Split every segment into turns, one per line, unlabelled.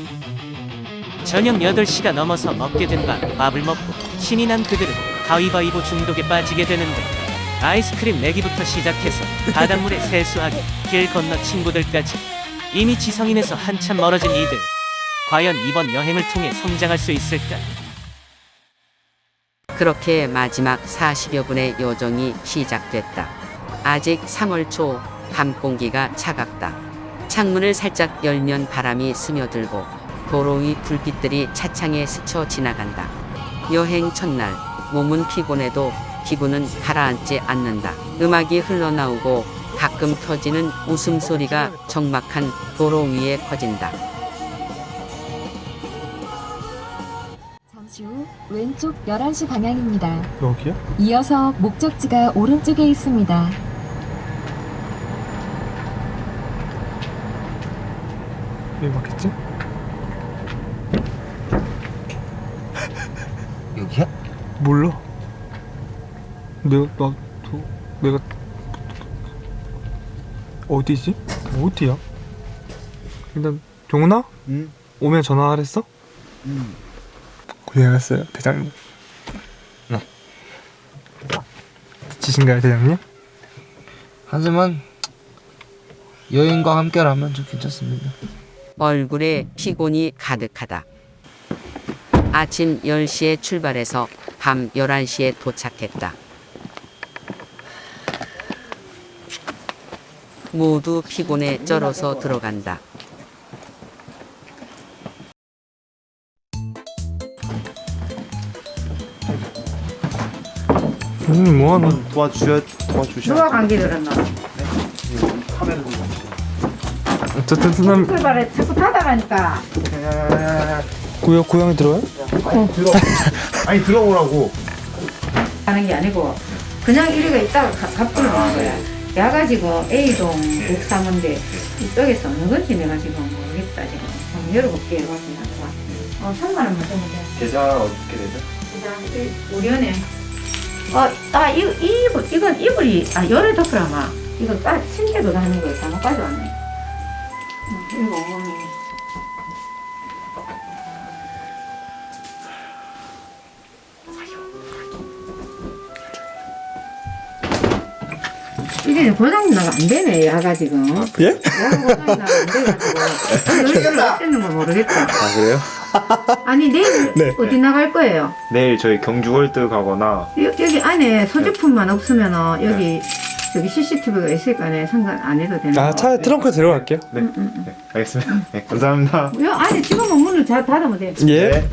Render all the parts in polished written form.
저녁 8시가 넘어서 먹게 된 밥을 먹고 신이 난 그들은 가위바위보 중독에 빠지게 되는데, 아이스크림 내기부터 시작해서 바닷물에 세수하기, 길 건너 친구들까지 이미 지성인에서 한참 멀어진 이들. 과연 이번 여행을 통해 성장할 수 있을까?
그렇게 마지막 40여 분의 여정이 시작됐다. 아직 3월 초, 밤 공기가 차갑다. 창문을 살짝 열면 바람이 스며들고 도로 위 불빛들이 차창에 스쳐 지나간다. 여행 첫날, 몸은 피곤해도 기분은 가라앉지 않는다. 음악이 흘러나오고 가끔 터지는 웃음소리가 적막한 도로 위에 퍼진다.
잠시 후 왼쪽 11시 방향입니다.
여기야?
이어서 목적지가 오른쪽에 있습니다.
여기 맞겠지?
여기야?
몰라. 내가 어디지? 어디야? 일단 종훈아?
응.
오면 전화하랬어?
응.
고생하셨어요 대장님.
네.
지신가요 대장님?
하지만 여행과 함께라면 좀 괜찮습니다.
얼굴에 피곤이 가득하다. 아침 10시에 출발해서 밤 11시에 도착했다. 모두 피곤에 쩔어서 들어간다.
뭐하나?
도와주셔야.
누가 감기 들었나?
어쨌든 쓰남
출발에 자꾸 타다가니까.
고향에 들어요?
아니 들어오라고.
하는 게 아니고 그냥 이리가 있다가 갑자기 오는 거야. 야가지고 A동 635인데 이쪽에서 어느 건지 내가 지금 모르겠다. 지금 한번 열어볼게요. 3만 원만 주면 돼.
계좌 어떻게 되죠?
우리 은행. 이건 이불이 열을 덮으라마. 이거 침대도 다는 거예요. 잘못 가져왔네. 이거 어머니. 이게 고장이 나가 안 되네, 야가 지금.
예?
야가 고장이 나가 안 돼가지고. 열을 어쨌는 걸 모르겠다.
아 그래요?
아니, 내일
네.
어디 나갈 거예요?
내일 저희 경주월드 가거나.
여기 안에 소지품만 없으면 여기 CCTV가 있으니까 상관 안 해도 되는
아
거.
차에 트렁크에 들어갈게요.
네. 네 알겠습니다. 네 감사합니다.
여 안에 집어면 문을 잘 닫으면 돼.
예?
네.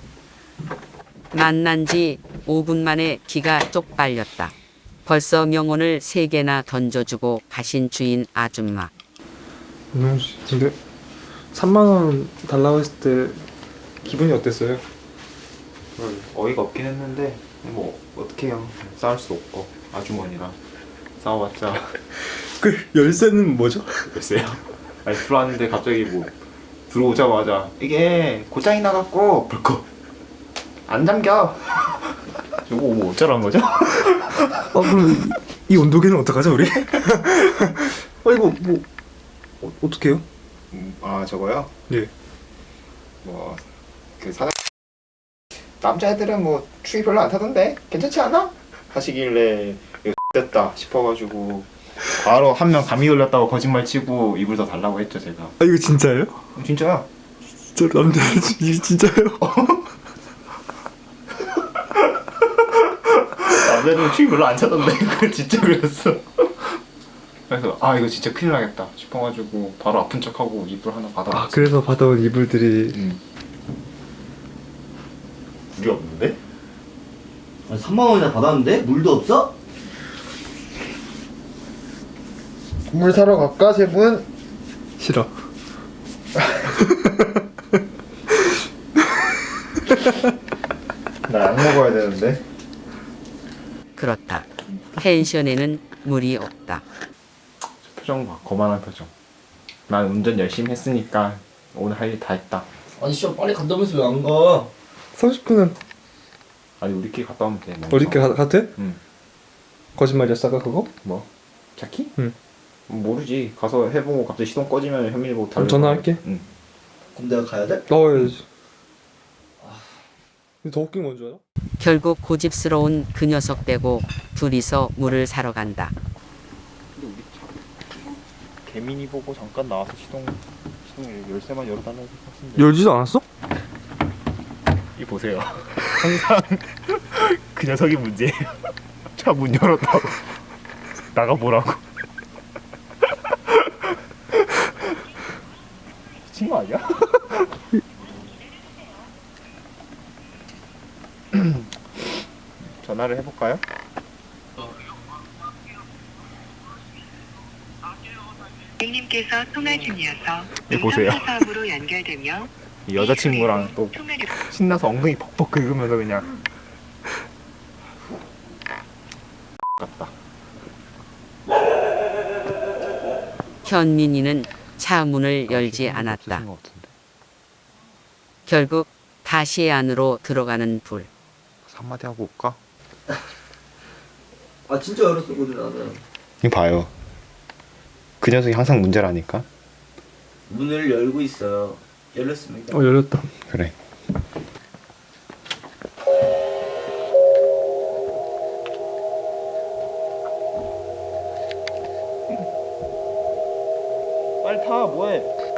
만난 지 5분 만에 기가 쪽 빨렸다. 벌써 명언을 3개나 던져주고 가신 주인 아줌마.
윤영 씨, 근데 3만 원 달라고 했을 때 기분이 어땠어요?
어이가 없긴 했는데 뭐 어떡해요. 싸울 수도 없고 아주머니랑 싸워봤자.
그 열쇠는 뭐죠?
글쎄요. 아니 들어왔는데 갑자기 뭐 들어오자마자 이게 고장이 나갖고 벌컥 안 잠겨. 이거 뭐 어쩌라는 거죠?
그럼 이 온도계는 어떡하죠 우리? 이거 뭐 어떡해요?
아 저거요?
예.
뭐 그 사장 남자애들은 뭐 추위 별로 안 타던데 괜찮지 않아? 하시길래 이거 됐다 싶어가지고 바로 한 명 감기 걸렸다고 거짓말 치고 이불 더 달라고 했죠 제가.
이거 진짜예요?
진짜야?
진짜 남자 이게 진짜예요?
남자들은 추위 별로 안 타던데 그걸 진짜 그랬어. 그래서 이거 진짜 큰일 나겠다 싶어가지고 바로 아픈 척하고 이불 하나 받아봤어.
그래서 받아온 이불들이
물이 없는데?
아니, 3만 원이나 받았는데 물도 없어?
물 사러 갈까 세 분?
싫어.
나 약 먹어야 되는데.
그렇다. 펜션에는 물이 없다.
표정 봐. 거만한 표정. 난 운전 열심히 했으니까 오늘 할 일 다 했다.
아니 씨발 빨리 간다면서 왜 안 가?
30분은
아니 우리끼리 갔다 오면 돼.
어디께 가도 돼?
응.
거짓말이었어 아까 그거?
뭐? 자키?
응.
모르지. 가서 해보고 갑자기 시동 꺼지면 현민이 보고
그럼
달려.
전화할게.
응.
군대 가야 돼?
나와야지. 근데 더 웃긴 건 줄 알아?
결국 고집스러운 그 녀석 빼고 둘이서 물을 사러 간다.
개민이 보고 잠깐 나와서 시동 열쇠만 열어달라고 했는데
열지도 않았어?
이 보세요. 항상 그 녀석이 문제예요. 차 문 열었다고 나가보라고. 미친 거 아니야? 전화를 해볼까요?
고객님께서 통화 중이어서
이 보세요.
사업으로 연결되며
이 여자친구랑 또
통화를
신나서 엉덩이 벅벅 긁으면서 그냥 같다.
현민이는 차 문을 열지 않았다. 결국 다시 안으로 들어가는 둘.
한마디 하고 올까?
아 진짜 열었었거든 나는.
이거 봐요. 그 녀석이 항상 문제라니까.
문을 열고 있어요. 열렸습니다.
열렸다.
그래. 빨리 타. 뭐해?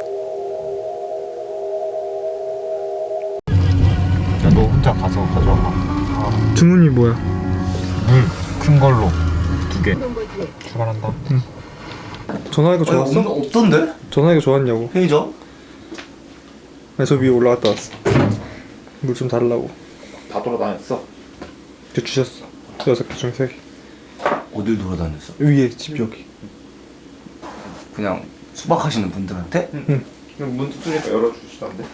야, 너 혼자 가서 가져와.
주문이 뭐야?
큰 걸로 2개. 출발한다.
전화기가 좋았어?
없던데?
전화기가 좋았냐고.
편의점?
아니, 저 위에 올라갔다 왔어. 물 좀 달라고.
다 돌아다녔어.
이제 주셨어. 6개 중에 3개.
어딜 돌아다녔어?
위에 집 여기.
그냥 수박하시는 분들한테?
문 두드리니까 열어주시던데.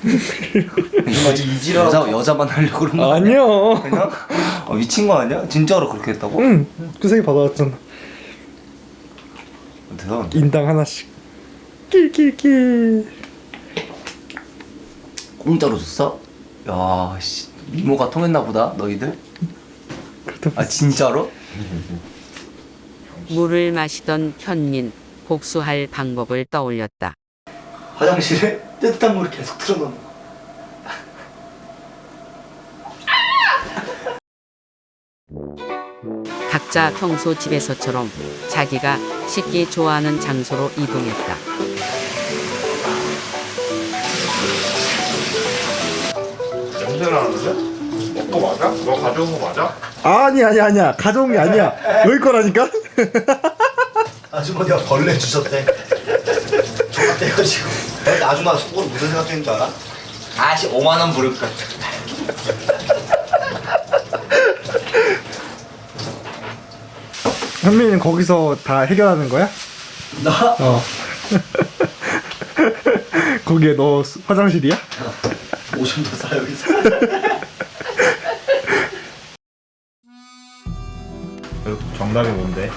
여자만 하려고 그런 거
아니야.
그냥? 미친 거 아니야? 진짜로 그렇게 했다고?
응. 그 3개 받아왔잖아.
대단한데?
인당 하나씩. 낄낄낄.
공짜로 줬어? 야, 씨, 미모가 통했나 보다, 너희들? 아, 진짜로?
물을 마시던 현민 복수할 방법을 떠올렸다.
화장실에 뜨뜻한 물을 계속 틀어놓는 거.
각자 평소 집에서처럼 자기가 씻기 좋아하는 장소로 이동했다.
냄새 나는데? 먹고 맞아? 너 가져온 거 맞아?
아니야. 가져온 게 아니야. 여기 거라니까?
아주머니가 벌레 주셨대. 족같대가지고. 아줌마 속으로 무슨 생각 드는 줄 알아? 아씨 5만원 부를까.
현민이는 거기서 다 해결하는 거야?
나?
어. 거기에 너 화장실이야?
오줌 더 싸 여기서.
정답이 뭔데?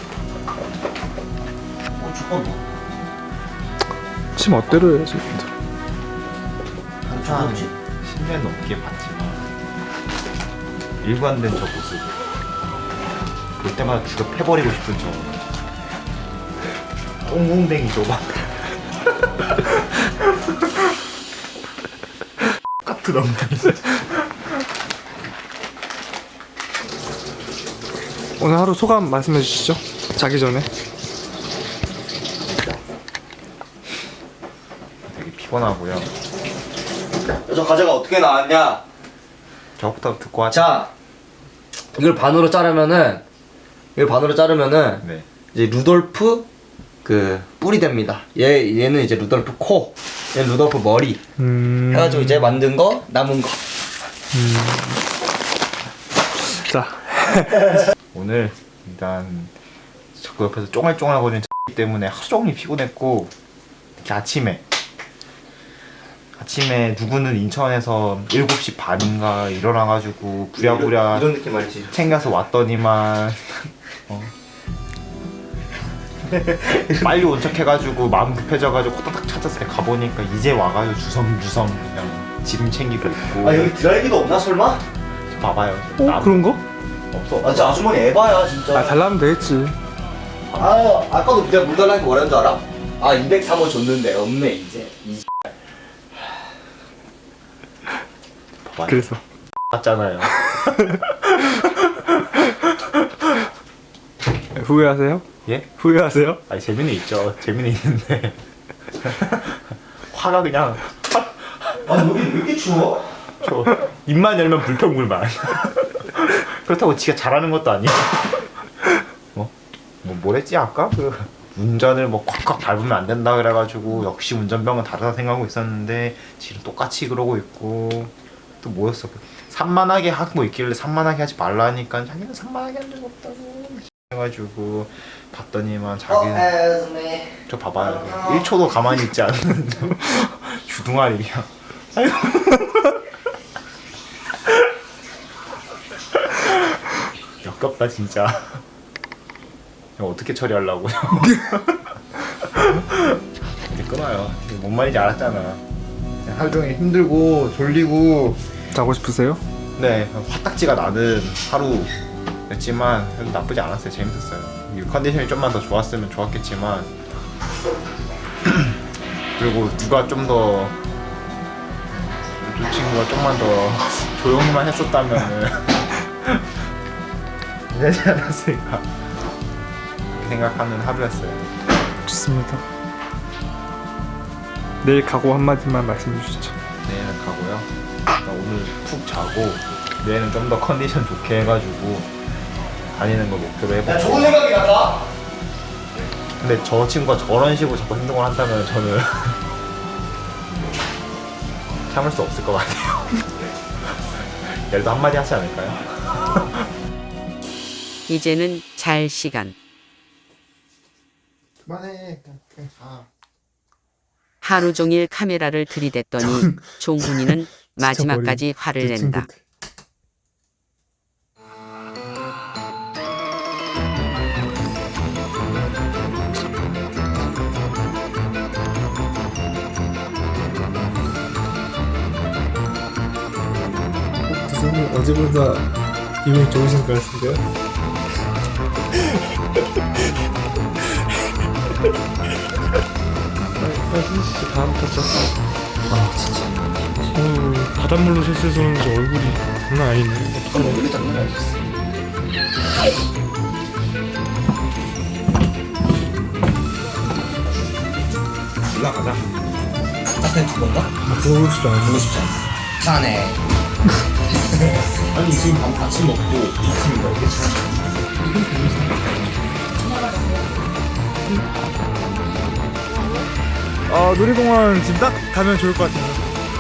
죽었네.
지 멋대로 해야지.
한참
10년 넘게 봤지만 일관된 저 모습 볼 때마다 죽여 패버리고 싶은 저 똥궁댕이 좁아. 같은 엉덩이.
오늘 하루 소감 말씀해 주시죠. 자기 전에.
되게 피곤하고요.
저 과자가 어떻게 나왔냐?
저부터 듣고 하자.
자, 이걸 반으로 자르면은
네.
이제 루돌프 그 뿔이 됩니다. 얘는 이제 루돌프 코, 얘는 루돌프 머리 해가지고 이제 만든 거 남은 거.
자.
오늘 일단 자꾸 옆에서 쫑알쫑알거리는 때문에 하루 종일 피곤했고 특히 아침에 누구는 인천에서 7시 반인가 일어나가지고 부랴부랴
이런 느낌 알지?
챙겨서 왔더니만 빨리 온 척해가지고 마음 급해져가지고 호다닥 찾았을 때 가보니까 이제 와가지고 주섬주섬 그냥 짐 챙기고 있고.
아 여기 드라이기도 없나 설마?
봐봐요.
그런 거?
없어.
아 진짜 아주머니 에바야 진짜.
아, 달라면 되겠지.
아 아까도 내가 물 달라는 거 뭐라는 줄 알아? 아 203원 줬는데 없네 이제.
많이
그래서
봤잖아요.
후회하세요?
예?
후회하세요?
아니 재미는 있죠. 재미는 있는데 화가 그냥 아 여기 왜 이렇게 추워? 저 입만 열면 불평불만. 그렇다고 지가 잘하는 것도 아니야. 뭐랬지 아까 그 운전을 뭐 콱콱 밟으면 안 된다 그래가지고 역시 운전병은 다르다 생각하고 있었는데 지금 똑같이 그러고 있고 또 뭐였어? 산만하게 하고 있길래 산만하게 하지 말라 하니까 자기는 산만하게 한 적 없다고 해가지고 봤더니만 자기는 저 봐봐요 1초도 가만히 있지 않는 주둥아리 그냥 아이고. 역겹다 진짜. 이거 어떻게 처리하려고. 이제 끊어요. 뭔 말인지 알았잖아. 하루 종일 힘들고 졸리고
자고 싶으세요?
네 화딱지가 나는 하루였지만 그래도 나쁘지 않았어요. 재밌었어요. 이 컨디션이 좀만 더 좋았으면 좋았겠지만 그리고 누가 좀 더 이 친구가 좀만 더 조용히만 했었다면은 되지 않았을까 생각하는 하루였어요.
좋습니다. 내일 각오 한마디만 말씀해 주시죠.
내일은 가고요. 오늘 푹 자고 내일은 좀 더 컨디션 좋게 해가지고 다니는 걸 목표로 해보고. 좋은 생각이 났다. 근데 저 친구가 저런 식으로 자꾸 행동을 한다면 저는 참을 수 없을 것 같아요. 얘도 한마디 하지 않을까요?
이제는 잘 시간.
그만해.
하루 종일 카메라를 들이댔더니 종훈이는 마지막까지 화를 낸다.
두분은 어제보다 기분이 좋으신 것 같은데요? 진짜 다음 탔죠. 아 진짜. 바닷물로 셋을 쏘는데 얼굴이 장난 아니네. 얼굴이 장난 아니었어.
올라가자. 앞에 그건가?
그러고 싶지 않아.
보고 싶지 않아. 사네. 아니 지금 밥 같이 먹고 아침인가 이게
놀이공원 지금 딱 가면 좋을 것 같아요.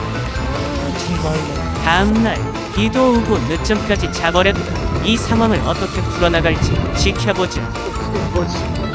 다음날 비도 오고 늦잠까지 자버렸다. 이 상황을 어떻게 풀어나갈지 지켜보자.
뭐지?